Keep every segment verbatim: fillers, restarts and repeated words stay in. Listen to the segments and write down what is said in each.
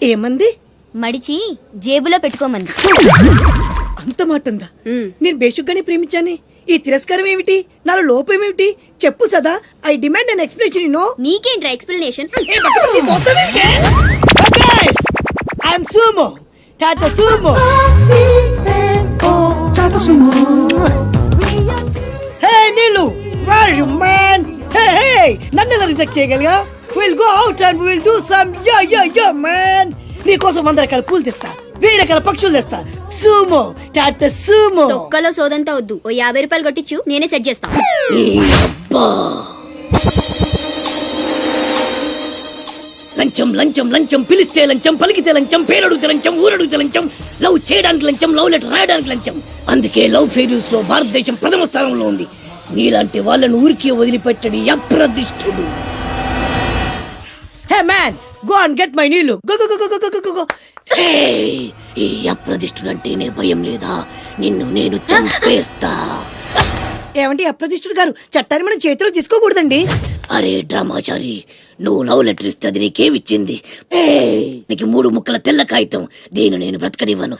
ఏమంది? మడిచి జేబులో పెట్టుకోమంది. అంత మాట ఉందా? నేను బేషుగ్గానే ప్రేమించానే. ఈ తిరస్కారం ఏమిటి? నాలో లోపం ఏమిటి? చెప్పు సదా. I demand an explanation. No నీకేంట్రా explanation? I'm Sumo Tata Sumo. Hey Neelu, where are you man? Hey hey, నన్ను ఎలా రిజెక్ట్ చేయగలిగా? We'll go out and we'll do some yeah yeah yeah man. నీకోసం వంద రకాల పూలు తెస్తా, వెయ్యి రకాల పక్షులు తెస్తా. Sumo Tata Sumo. తొక్కలో సోదంతా వద్దు, ఓ యాభై రూపాయలు కొట్టించు, నేనే సెట్ చేస్తా. లంచం లంచం లంచం, పిలిస్తే లంచం, పలికితే లంచం, పేరడుగుతే లంచం, ఊరడుగుతే లంచం, లవ్ చేయడానికి లంచం, లవ్ లెటర్ రాయడానికి లంచం. అందుకే లవ్ ఫెయిల్యూర్స్ లో భారతదేశం ప్రథమ స్థానంలో ఉంది. నీలాంటి వాళ్ళను ఊరికే వదిలిపెట్టడి అప్రదిష్టుడు. Hey man, go and get my నీళ్ళు. Go go go go go go. ఈ అప్రదిష్టుడు అంటేనే భయం లేదా? నిన్ను నేను చంపేస్తా. ఏమంటే అప్రదిష్టుడు గారు, చట్టాన్ని మనం చేతిలో తీసుకోకూడదండి. అరే డ్రామాచారి, నువ్వు లవ్ లెటర్ ఇస్తే అది నీకేమిచ్చింది? నీకు మూడు ముక్కల తెల్ల కాగితం. దీన్ని నేను బ్రతకనివ్వను.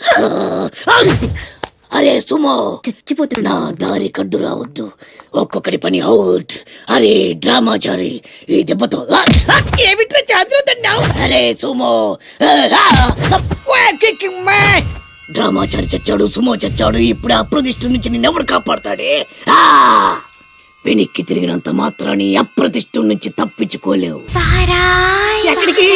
అరే సుమో, చచ్చిపోతున్నా. నా దారి కడ్డు రావద్దు. ఒక్కొక్కటి పని అవుట్. అరే డ్రామాచారి, ఈ దెబ్బతో ఏమిట్రా చేతులు తన్నావు? అరే సుమో, డ్రామాచారి చచ్చాడు, సుమో చచ్చాడు. ఇప్పుడు అప్రతిష్ఠ నుంచి నిన్నెవడు కాపాడతాడే? వెనక్కి తిరిగినంత మాత్రాన్ని అప్రతిష్ఠ నుంచి తప్పించుకోలేవు. ఎక్కడికి?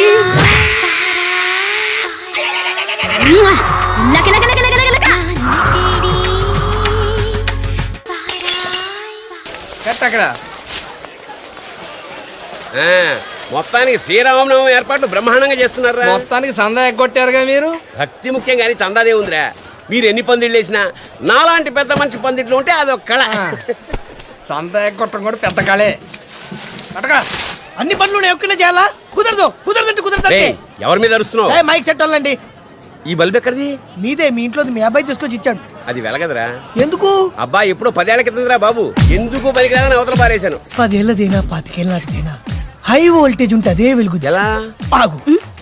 మొత్తానికి శ్రీరామనవమి ఏర్పాట్లు బ్రహ్మాండంగా చేస్తున్నారా? మొత్తానికి చందా ఎగ్గొట్టారుగా మీరు. భక్తి ముఖ్యం కానీ చందాదే ఉందిరా. మీరు ఎన్ని పందిళ్ళు వేసినా నాలాంటి పెద్ద మంచి పందిట్లు ఉంటే అదొక కళ. చందా ఎగ్గొట్టడం కూడా పెద్ద కళే. అటగా అన్ని పనులు ఒక్కనే చేయాలా? కుదరదు. కుదరదంటే కుదరదు. ఎవరి మీద అరుస్తున్నావు? మైక్ సెట్ వాళ్ళండి. ఈ బల్బ్ ఎక్కడిది? మీదే. మీ ఇంట్లో మీ అబ్బాయి తీసుకొచ్చి ఇచ్చాడు. అది వెలగదరా. ఎందుకు? అబ్బాయి ఎప్పుడో పదేళ్ల కిందరా బాబు. ఎందుకు పనికిరాదని అవతల పారేశాను. పదేళ్ళదేనా పాతికేళ్ళ నాటిదేనా హై వోల్టేజ్ ఉంటే అదే వెలుగు. ఎలా? ఆగు.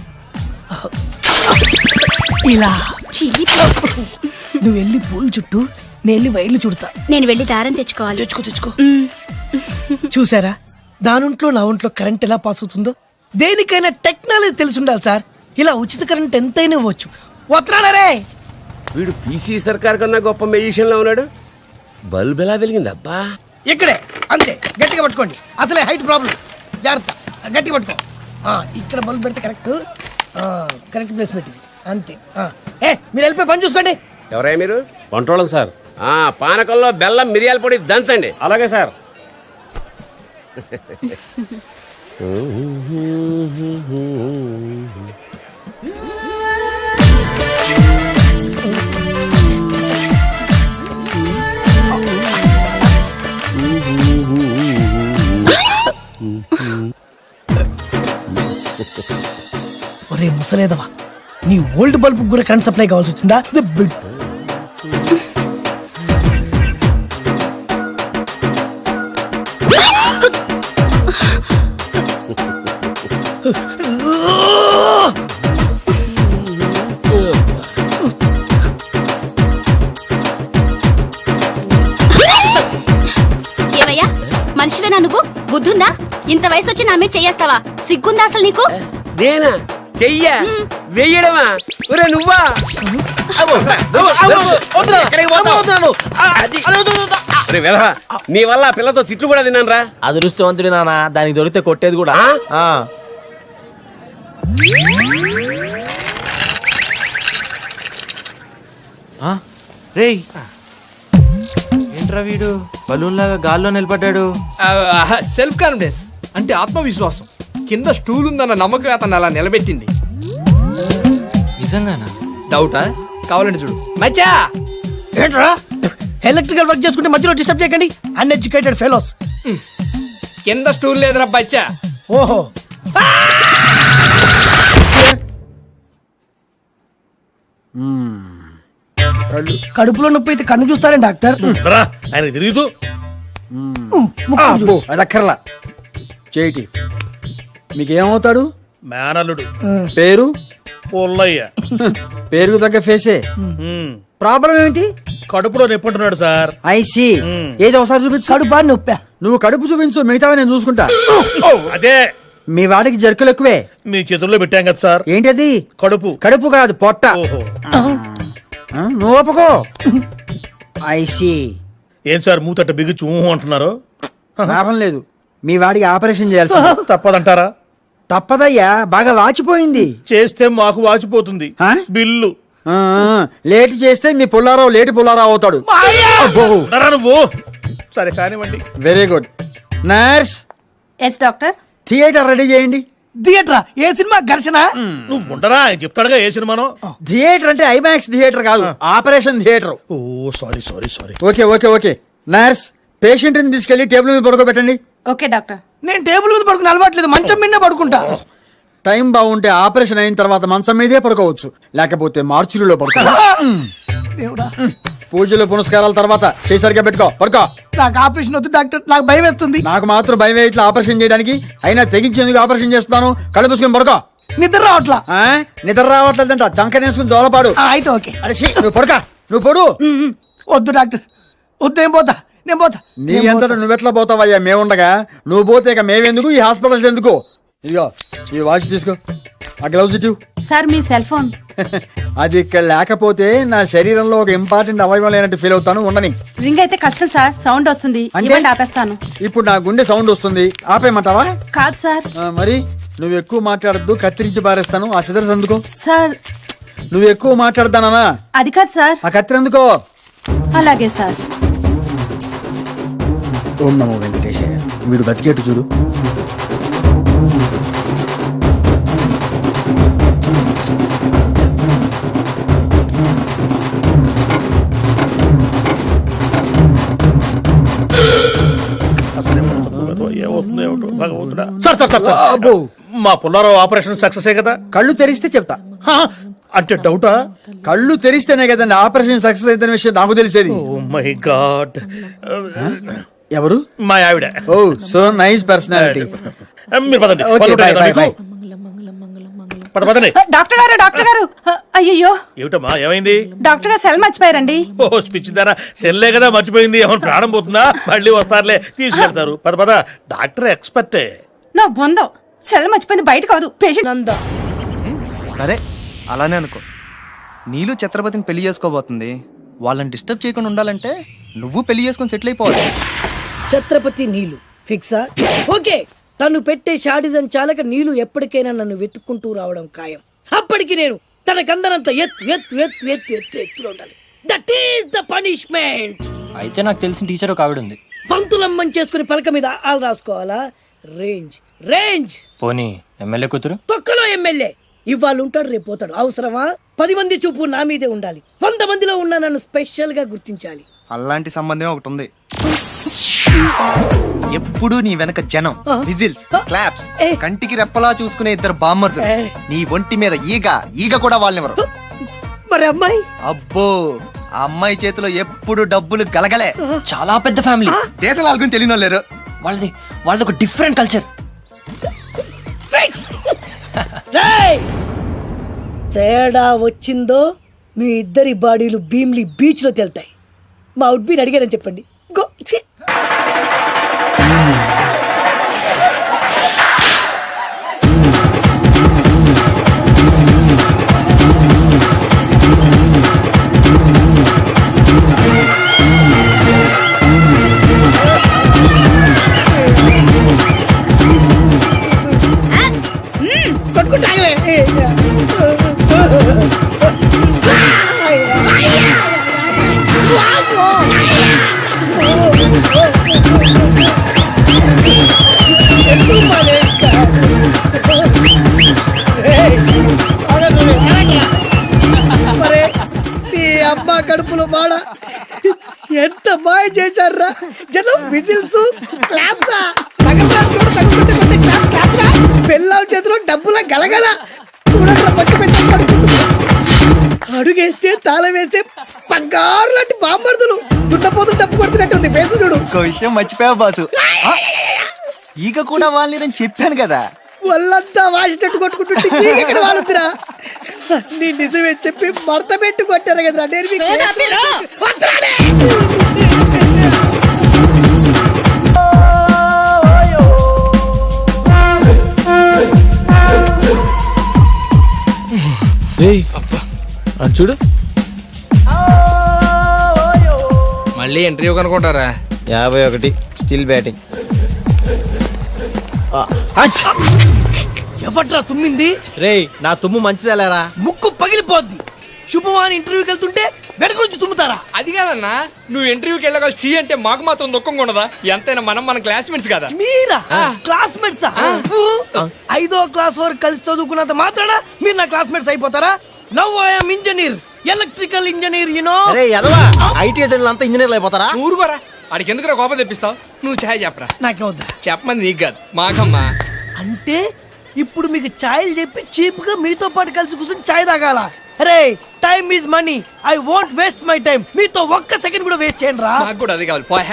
ఇలా నువ్వు వెళ్ళి పూలు చుట్టూ, నేను వెళ్ళి వైర్లు చుడతా. నేను వెళ్ళి దారం తెచ్చుకోవాలి. తెచ్చుకో తెచ్చుకో. చూసారా దానింట్లో నా ఒంట్లో కరెంట్ ఎలా పాస్ అవుతుందో? దేనికైనా టెక్నాలజీ తెలిసి ఉండాలి సార్. ఇలా ఉచిత కరెంట్ ఎంతైనా ఇవ్వచ్చు. వస్తున్నారే. వీడు పీసీ సర్కార్ కన్నా గొప్ప మెజిషియన్ లో ఉన్నాడు. బల్బ్ ఎలా వెలిగింది అబ్బా? ఇక్కడే అంతే. గట్టిగా పట్టుకోండి. అసలే హైట్ ప్రాబ్లం. జాగ్రత్త, గట్టిగా పట్టుకో. ఇక్కడ బల్బ్ పెడితే కరెక్ట్. కరెక్ట్ ప్లేస్ పెట్టింది అంతే. ఏ మీరు వెళ్ళిపోయి పని చూసుకోండి. ఎవరయ్యా మీరు? వంటోళం సార్. పానకంలో బెల్లం మిరియాల పొడి దంచండి. అలాగే సార్. ఒరే ముసలేదవా, నీ ఓల్డ్ బల్బ్ కూడా కరెంట్ సప్లై కావాల్సి వచ్చిందా? ఏమయ్యా మనిషివేనా నువ్వు? బుద్ధుందా? ఇంత వయసు వచ్చి నా మీద చెయ్యేస్తావా? సిగ్గుందా అసలు నీకు? నేనా చెయ్యా? వెయ్యడమా? ఒరే నువ్వా? నీ వల్ల పిల్లతో తిట్లు కూడా తిన్నాను రా. అదృష్టవంతుడి నాన్న, దానికి దొరికితే కొట్టేది కూడా. రేయ్ ఏంట్రా వీడు బలూన్ లాగా గాల్లో నిలబడ్డాడు? సెల్ఫ్ కాన్ఫిడెన్స్ అంటే ఆత్మవిశ్వాసం. కింద స్టూల్ ఉందన్న నమ్మకం అతను అలా నిలబెట్టింది. నిజంగానా? డౌటా? కావాలంటే చూడు. మచ్చా ఏంట్రా ఎలక్ట్రికల్ వర్క్ చేసుకుంటే మధ్యలో డిస్టర్బ్ చేయకండి. Uneducated fellows. కింద స్టూల్ లేదురా బచ్చా. ఓహో, కడుపులో నొప్పి అయితే కన్ను చూస్తారండి డాక్టర్. ఆయన తిరుగుతూ అది అక్కర్లా. చేయిటి మీకేమవుతాడు? మేనల్లుడు. పేరు? పుల్లయ్య. పేరుకు తగ్గ ఫేసే. ఉమ్. ప్రాబ్లం ఏంటి? కడుపులో నొప్పుంటున్నాడు సార్. ఐసి మ్మ్. ఏదో ఒకసారి చూపించు. కడుపా నొప్పా? నువ్వు కడుపు చూపించు, మిగతావి నేను చూసుకుంటా. అదే మీ వాడికి జర్కులు ఎక్కువే. మీ చేతుల్లో పెట్టాం కదా సార్. ఏంటది? కడుపు. కడుపు కాదు, పొట్ట. ఓహో. ఆ, నువ్వు ఒప్పుకో. ఐసి ఏం సార్ మూతట్ట బిగుచ్చు ఊహు అంటున్నారు? లాభం లేదు. మీ వాడికి ఆపరేషన్ చేయాల్సి తప్పదంటారా? తప్పదయ్యా, బాగా వాచిపోయింది. చేస్తే మాకు వాచిపోతుంది ఆ? బిల్లు. ఆ, లేట్ చేస్తే మీ పుల్లారావు లేటి పుల్లారావు అవుతాడు. అబ్బో. ఉండరా నువ్వు? సరే కానివ్వండి. Very good. Nurse, yes doctor. Theatre ready చేయండి. థియేటరా? ఏ సినిమా? ఘర్షణ? నువ్వు ఉండరా, ఆయన చెప్తాడుగా ఏ సినిమానో. థియేటర్ అంటే ఐమాక్స్ థియేటర్ కాదు, operation theatre. Oh sorry sorry sorry. Okay okay okay. Nurse, patient ని తీసుకెళ్లి టేబుల్ మీద పడుకోబెట్టండి. Okay doctor. నేను టేబుల్ మీద పడుకుని అలవాట్లేదు, మంచం మీదే పడుకుంటా. టైం బాగుంటే ఆపరేషన్ అయిన తర్వాత మంచం మీదే పడుకోవచ్చు, లేకపోతే మార్చురీలో పడుకో. దేవుడా, పూజలు పునస్కారాల తర్వాత చేసరిగా పెట్టుకో, పడుకో. నాకు ఆపరేషన్ వద్దు డాక్టర్, నాకు భయం వేస్తుంది. నాకు మాత్రం భయం ఇట్లా ఆపరేషన్ చేయడానికి, అయినా తెగించేందుకు ఆపరేషన్ చేస్తున్నాను. కళ్ళు మూసుకొని పడుకో. నిద్ర రావట్లా. ఆ? నిద్ర రావట్లేదంట, చంకనేసుకుని జోలపాడు. ఆ, అయితే ఓకే. అరే ఛీ, నువ్వు పడుక, నువ్వు పడు. వద్దు డాక్టర్, వద్దు, నేను పోతా, నేను పోతా. నీ అంతటా నువ్వెట్లా పోతావయ్యా మేముండగా? నువ్వు పోతే ఇక మేమెందుకు, ఈ హాస్పిటల్స్ ఎందుకు? ఇదిగో ఈ వాచ్ తీసుకో, ఆ గ్లౌజ్ ఇటు. సార్ మీ సెల్ ఫోన్. అది ఇక్కడ లేకపోతే నా శరీరంలో ఒక ఇంపార్టెంట్ అవయవం లేనట్టు ఫీల్ అవుతాను. ఉండని. రింగ్ అయితే కష్టం సార్, సౌండ్ వస్తుంది. అంటే? ఇవ్వండి, ఆపేస్తాను. ఇప్పుడు నా గుండె సౌండ్ వస్తుంది, ఆపేయమంటావా? కాదు సార్. ఆ, మరి నువ్వు ఎక్కువ మాట్లాడద్దు, కత్తిరించి పారేస్తాను. ఆ సిదర్స్ ఎందుకో? సార్ నువ్వు ఎక్కువ మాట్లాడతానా? అది కాదు సార్. ఆ కత్తిరి ఎందుకో? అలాగే సార్. ఓం నమో వెంకటేశయ్య. వీడు బతికేట్టు చూడు. ఏమవుతుందో ఏమిటో భగవంతుడా. Sir sir sir sir. అబ్బో. మా పుల్లారావు ఆపరేషన్ సక్సెస్ కదా? కళ్ళు తెరిస్తే చెప్తా. హా, అంటే డౌటా? కళ్ళు తెరిస్తేనే కదండి ఆపరేషన్ సక్సెస్ అయిన విషయం నాకు తెలిసేది. Oh my god. ఎవరు? మా ఆవిడ. Oh so nice personality. మీరు పదండి. ఓకే, పనులు ఉంటాయి బై, కదా బై, మీకు? పద పదండి. డాక్టర్ గారు, డాక్టర్ గారు. అయ్యయ్యో, ఏమిటమ్మా ఏమైంది? డాక్టర్ గారు సెల్ మర్చిపోయారండి. ఓ స్పిచ్ దారా, సెల్లే కదా మర్చిపోయింది. ఏమైనా ప్రాణం పోతుందా? మళ్ళీ వస్తారులే, తీసుకెళ్తారు. పద పద, డాక్టర్ ఎక్స్పర్టే. నా బొందో, సెల్ మర్చిపోయింది బయట కాదు, పేషెంట్. నందా, సరే అలానే అనుకో. నీళ్ళు ఛత్రపతిని పెళ్లి చేసుకోబోతుంది. వాళ్ళని డిస్టర్బ్ చేయకుండా ఉండాలంటే నువ్వు పెళ్లి చేసుకొని సెటిల్ అయిపోవాలి. ఛత్రపతి నీలు ఫిక్సా? ఓకే, తను పెట్టే షాడిజం చాలక నీలు ఎప్పటికైనా నన్ను వెతుక్కుంటూ రావడం ఖాయం. అప్పటికి నేను తనకందనంత ఎత్తు ఎత్తు ఎత్తు ఎత్తు ఎత్తు ఎత్తులో ఉండాలి. That is the punishment. అయితే నాకు తెలిసిన టీచర్ ఒక ఆవిడ ఉంది. పంతులమ్మని చేసుకుని పలక మీద ఆలు రాసుకోవాలా? Range range. పోనీ ఎమ్మెల్యే కూతురు. తొక్కలో ఎమ్మెల్యే ఇవాళ ఉంటాడు, రేపు పోతాడు. అవసరమా? పది మంది చూపు నా మీదే ఉండాలి. వంద మందిలో ఉన్న నన్ను స్పెషల్ గా గుర్తించాలి. అలాంటి సంబంధం ఒకటి ఉంది. ఎప్పుడు నీ వెనక జనం, విజిల్స్, క్లాప్స్, కంటికి రెప్పలా చూసుకునే ఇద్దరు బామ్మర్దులు. నీ ఒంటి మీద ఈగ ఈగ కూడా వాళ్ళనివ్వరు. మరి అమ్మాయి? అబ్బో, ఆ అమ్మాయి చేతిలో ఎప్పుడు డబ్బులు గలగలే. చాలా పెద్ద ఫ్యామిలీ. దేశాల వాళ్ళని తెలియని వాళ్ళు లేరు. వాళ్ళది వాళ్ళది ఒక డిఫరెంట్ కల్చర్. రేయ్! తేడా వచ్చిందో మీ ఇద్దరి బాడీలు భీమ్లీ బీచ్ లో తేలుతాయి. మా అవుట్ బీన్ అడిగారని చెప్పండి. గో. ఛీ! కొట్టుకుంటాగలే. మరే నీ అమ్మ కడుపులో మాడ ఎంత మాయ చేశారా జనం. విజిల్స్, క్లాప్స్, పెళ్ళాం చేతిలో డబ్బుల గలగల. చూడండి పచ్చి పెట్టి పడుకుంటున్నా. అడుగేస్తే తాళం వేసే బంగారు లాంటి బాంబర్దులు. దున్నపోతు డబ్బు కొడుతున్నట్టుంది ఫేసు చూడు. ఇంకో విషయం మర్చిపోయావు బాసు. ఈగ కూడా వాళ్ళని చెప్పాను కదా. వాళ్ళంతా వాసినట్టు కొట్టుకుంటుంటే ఇక్కడ వాళ్ళుతురా. నీ నిజమే చెప్పి మడత పెట్టి కొట్టారు కదరా నేను మీకు వదరాలే. చూడు మళ్ళీ ఇంటర్వ్యూ కనుకుంటారా? యాభై ఒకటి స్టిల్ బ్యాటింగ్. ఎవట్రా తుమ్మింది? రేయ్ నా తుమ్ము మంచిదేలేరా. ముక్కు పగిలిపోద్ది. శుభవాన్ ఇంటర్వ్యూకి వెళ్తుంటే వెనక నుంచి తుమ్ముతారా? అది కాదన్నా, నువ్వు ఇంటర్వ్యూకి వెళ్ళగల చీ అంటే మాకు మాత్రం దుఃఖంగా ఉండదా? ఎంతైనా మనం మన క్లాస్మేట్స్ కదా. మీరా క్లాస్మేట్స్? ఐదో క్లాస్ వరకు కలిసి చదువుకున్నంత మాత్రాన మీరు నా క్లాస్మేట్స్ అయిపోతారా? Now I'm engineer, electrical engineer. You know IT అంతా ఇంజనీర్లు అయిపోతారా? నువ్వు ఊరుకోరా, ఆడికి ఎందుకు కోపం తెప్పిస్తావు? నువ్వు ఛాయ్ చెప్పరా. నాకే వద్దా? చెప్పమంది నీకు కాదు మాకమ్మా. అంటే ఇప్పుడు మీకు ఛాయలు చెప్పి చీప్ గా మీతో పాటు కలిసి కూర్చొని ఛాయ్ తాగాల? అరే time is money, I won't waste my time. మీతో ఒక్క సెకండ్ కూడా వేస్ట్ చేయండి రా. నాకు కూడా అది కావాలి పోయా.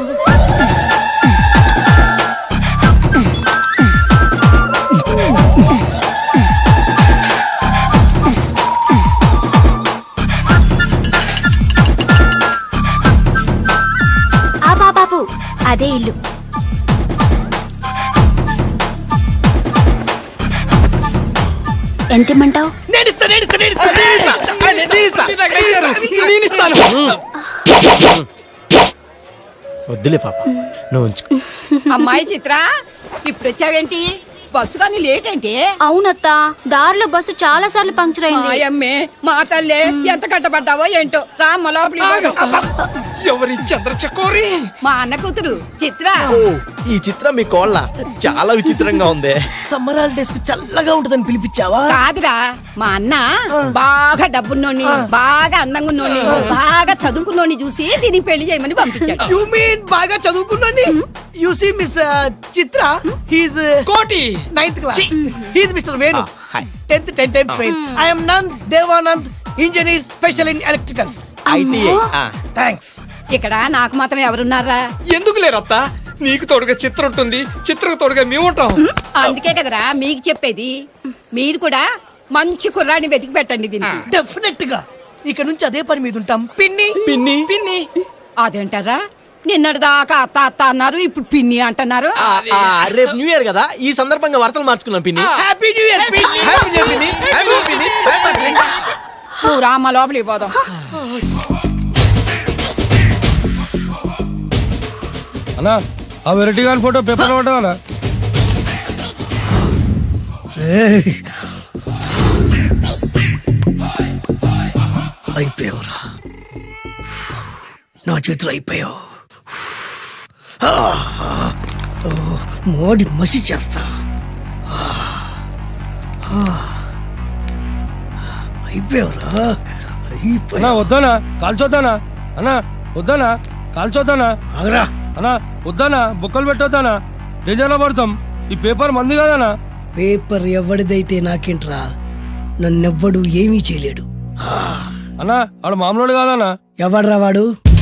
ఆ బాబాబు అదే ఇల్లు. ఎంత ఇమ్మంటావు? నేను ఇస్తా, నేను ఇస్తా, నేను ఇస్తా, నేను ఇస్తా, నేను ఇస్తా, నేను ఇస్తాను. వద్దులే పాప, నువ్వు ఉంచుకో. అమ్మాయి చిత్ర, ఇప్పుడు వచ్చావేంటి? బస్సు కానీ లేట్ ఏంటి? అవునత్తా, దారిలో బస్సు చాలా సార్లు పంక్చర్ అయింది. అమ్మే మా తల్లే, ఎంత కట్టబడ్డావో ఏంటో. రామ్మ లోపలి. ఎవరి చంద్ర చకోరి? మా అన్న కూతురు చిత్ర. ఈ చిత్రం మీ కోళ్ళ చాలా విచిత్రంగా ఉంది. సమ్మర్ హాలిడేస్ కు చల్లగా ఉంటదని పిలిపించావా? కాదురా, మా అన్న బాగా డబ్బున్నోని, బాగా అందంగా ఉన్నోని, బాగా చదువుకున్నోని చూసి దీనికి పెళ్లి చేయమని పంపించాడు. యు మీన్ బాగా చదువుకున్నాని? You see miss Chitra, he's Koti ninth class. He's mister Venu, tenth ten times fail. I am Nand Devanand, engineer special in electricals. Thanks. ఇక్కడ నాకు మాత్రం ఎవరున్నారా? ఎందుకు లేరత్తా? నీకు తోడుగా చిత్ర ఉంటుంది, చిత్రకు తోడుగా మేము ఉంటాం. అందుకే కదరా మీకు చెప్పేది. మీరు కూడా మంచి కుర్రాడిని వెతికి పెట్టండి దీనికి. డెఫినెట్ గా ఇక నుంచి అదే పని మీద ఉంటాం. పిన్ని పిన్ని పిన్ని అదేంటారా? నిన్నటి దాకా అత్త అత్త అన్నారు, ఇప్పుడు పిన్ని అంటున్నారు. రేపు న్యూ ఇయర్ కదా, ఈ సందర్భంగా వరుసలు మార్చుకున్నాం పిన్ని. హ్యాపీ న్యూ ఇయర్ పిన్ని. హ్యాపీ న్యూ ఇయర్ పిన్ని. హ్యాపీ న్యూ ఇయర్ పిన్ని. నువ్వు రామ్మ లోపలికి పోదాం. అన్నా ఆ వెరైటీ గారి ఫోటో పేపర్ పడ్డా? అయిపోయావురా నా చేతులు, అయిపోయావు. మోడి మసి చేస్తా. అయిపోయావురా, అన్నా వద్దానా కాల్చొద్దానా? అన్నా వద్దానా కాల్చొద్దానా? ఆగరా. అన్నా వద్దానా బొక్కలు పెట్టొద్దానా? డేంజర్లో పడతాం. ఈ పేపర్ మంది కదనా? పేపర్ ఎవడిదైతే నాకేంట్రా, నన్నెవ్వడు ఏమీ చేయలేడు. అన్నా ఆడు మామూలు కాదన్నా. ఎవడ్రా వాడు?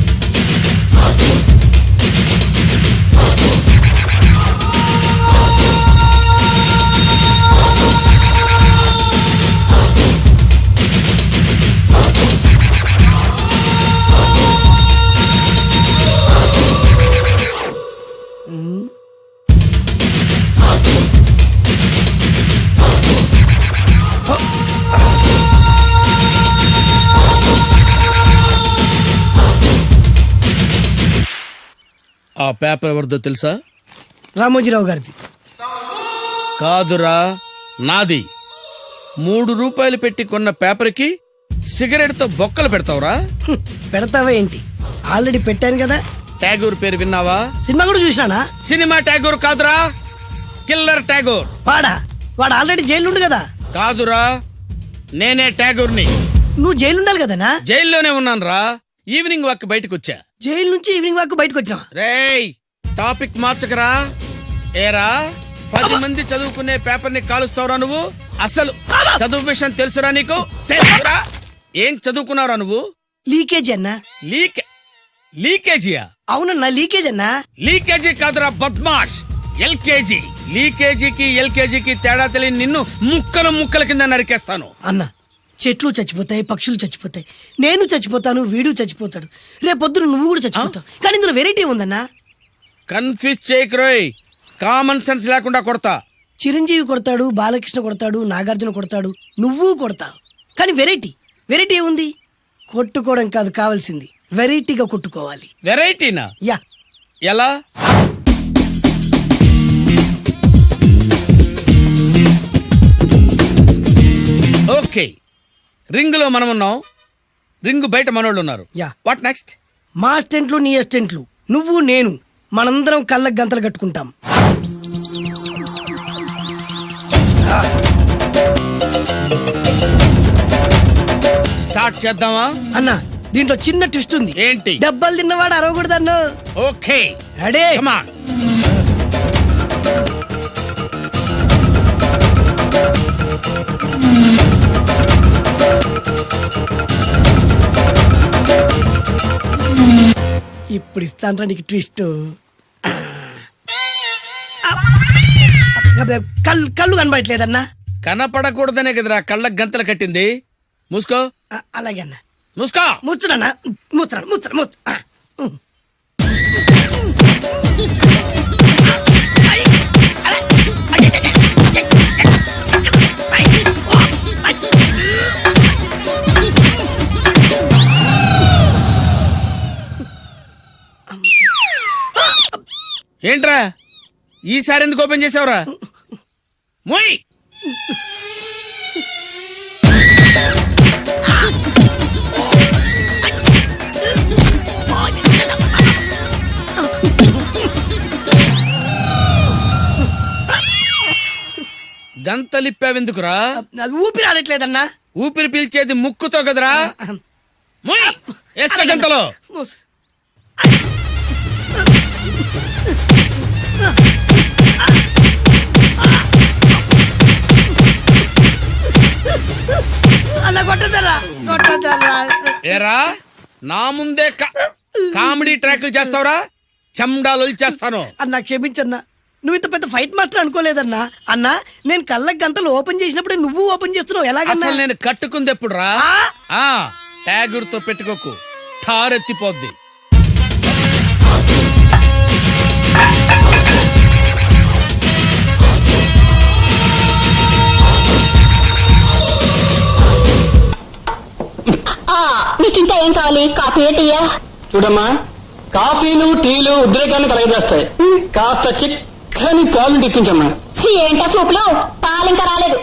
ఆ పేపర్ ఎవరిదో తెలుసా? రామోజీరావు గారిది. కాదురా, నాది. మూడు రూపాయలు పెట్టి కొన్న పేపర్కి సిగరెట్ తో బొక్కలు పెడతావురా? పెడతావా ఏంటి? ఆల్రెడీ పెట్టాను కదా. ట్యాగూర్ పేరు విన్నావా? సినిమా కూడా చూసినానా? సినిమా ట్యాగూర్ కాదురా, కిల్లర్ ట్యాగూర్. వాడా? వాడు ఆల్రెడీ జైలు ఉండు కదా. కాదురా, నేనే ట్యాగూర్ని. నువ్వు జైలు ఉండాలి కదనా? జైల్లోనే ఉన్నాను రా. ఈవినింగ్ వాక్ బయటకు వచ్చా. జైలు నుంచి ఈవినింగ్ వాక్ బయటకు వచ్చా. రేయ్ టాపిక్ మార్చకరా. ఏరా, పది మంది చదువుకునే పేపర్ ని కాలుస్తావురా నువ్వు? అసలు చదువు విషయం తెలుసురా నీకు? తెలుసురా? ఏం చదువుకున్నావురా నువ్వు? లీకేజీ అన్నా. లీక్ లీకేజీయా? అవునన్నా లీకేజ్ అన్నా. లీకేజీ కాదురా బద్మాష్, ఎల్కేజీ. లీకేజీకి ఎల్కేజీకి తేడా తెలియని నిన్ను ముక్కలు ముక్కల కింద నరికేస్తాను. అన్న చెట్లు చచ్చిపోతాయి, పక్షులు చచ్చిపోతాయి, నేను చచ్చిపోతాను, వీడు చచ్చిపోతాడు, రేపొద్దున నువ్వు కూడా చచ్చిపోతావు. కానీ ఇందులో వెరైటీ ఉందన్నా. కన్ఫ్యూజ్ చేయకురోయ్, కామన్ సెన్స్ లేకుండా కొడతా. చిరంజీవి కొడతాడు, బాలకృష్ణ కొడతాడు, నాగార్జున కొడతాడు, నువ్వు కొడతావు. కానీ వెరైటీ వెరైటీ ఉంది. కొట్టుకోవడం కాదు కావాల్సింది, వెరైటీగా కొట్టుకోవాలి. వెరైటీనా? యా. ఎలా? ఓకే, రింగ్ లో మనం ఉన్నాం, రింగ్ బయట మనోళ్ళు ఉన్నారు. యా. What next? మా స్టెంట్లు నీ అస్టెంట్లు, నువ్వు నేను, మనందరం కళ్ళకు గంతలు కట్టుకుంటాం. స్టార్ట్ చేద్దామా? అన్న దీంట్లో చిన్న ట్విస్ట్ ఉంది. ఏంటి? దెబ్బలు తిన్నవాడు అరవకూడదు అన్న. Okay, ready? Come on. ఇప్పుడు ఇస్తాను నీకు ట్విస్ట్. కళ్ళు కళ్ళు కనబడట్లేదన్నా. కనపడకూడదనే కదరా కళ్ళకు గంతలు కట్టింది. మూసుకో. ఆ, అలాగే అన్న. మూసుకో. ముచ్చుడన్నా, ముచ్చరా ముచ్చరా ముచ్చ. ఏంట్రా ఈసారి ఎందుకు ఓపెన్ చేసావురా? మొయ్. గంతలిప్పావెందుకురా? అది ఊపిరి ఆడట్లేదన్నా. ఊపిరి పీల్చేది ముక్కుతో కదరా. మొయ్. వేసుకో గంతలో. మూసు. అన్న కొట్టదరా కొట్టదరా. ఏరా నా ముందే కా- కామెడీ ట్రాక్లు చేస్తావురా? చెమ్డాలు చేస్తాను. అన్నా క్షమించన్నా, నువ్వు ఇంత పెద్ద ఫైట్ మాస్టర్ అనుకోలేదన్నా. అన్నా నేను కళ్ళకి గంతలు ఓపెన్ చేసినప్పుడే నువ్వు ఓపెన్ చేస్తున్నావు, ఎలాగన్నా? అసలు నేను కట్టుకుంది ఎప్పుడు రా? ఆ? ట్యాగుర్తో పెట్టుకోకు, ఠారెత్తిపోద్ది. నీకు ఇంకా ఏం కావాలి? కాఫీ టీయా? చూడమ్మా, కాఫీలు టీలు ఉద్రేకాన్ని కలగజేస్తాయి. కాస్త చిక్కని పాలు తెప్పించమ్మా. ఏంటా సూపులు? పాలు ఇంకా రాలేదు.